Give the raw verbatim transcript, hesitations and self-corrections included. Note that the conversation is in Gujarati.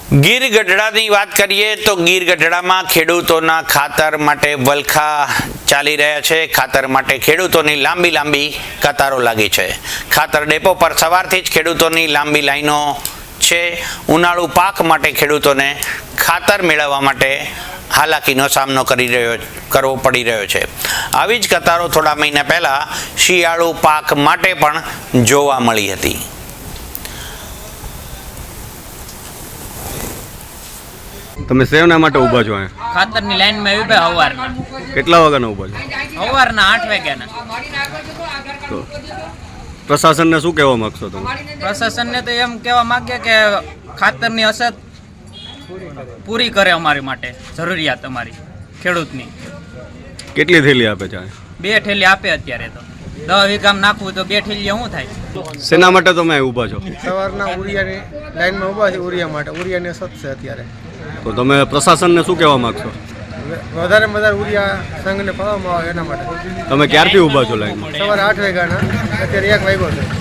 ગીર ગઢડાની વાત કરીએ તો ગીર ગઢડામાં ખેડૂતોના ખાતર માટે વલખા ચાલી રહ્યા છે। ખાતર માટે ખેડૂતોની લાંબી લાંબી કતારો લાગી છે। ખાતર ડેપો પર સવારથી જ ખેડૂતોની લાંબી લાઈનો છે। ઉનાળુ પાક માટે ખેડૂતોને ખાતર મેળવવા માટે હાલાકીનો સામનો કરી રહ્યો કરવો પડી રહ્યો છે। આવી જ કતારો થોડા મહિના પહેલા શિયાળુ પાક માટે પણ જોવા મળી હતી। તમે સેવના માટે ઊભા છો અહીંયા? ખાતરની લાઈનમાં ઊભા સવારના। કેટલા વાગ્યાના ઊભા છો? સવારના આઠ વાગ્યાના। તો પ્રશાસનને શું કહેવા માંગશો તમે? પ્રશાસનને તો એમ કહેવા માંગે કે ખાતરની અછત પૂરી કરે અમારી માટે, જરૂરિયાત અમારી ખેડૂતની। કેટલી થેલી આપે છે? બે ઠેલી આપે અત્યારે તો। દસ વીઘામાં નાખવું તો બે ઠેલી શું થાય? શેના માટે તમે અહીં ઊભા છો? સવારના ઉરિયાની લાઈનમાં ઊભા છે, ઉરિયા માટે। ઉરિયાની અછત છે અત્યારે। તો તમે પ્રશાસનને શું કહેવા માંગશો? વધારે વધારે ઉરિયા સંઘને પાવામાં આવે એના માટે। તમે ક્યારથી ઊભા છો લાઈનમાં? સવારે આઠ વાગ્યાના, અત્યારે એક વાગ્યો છે।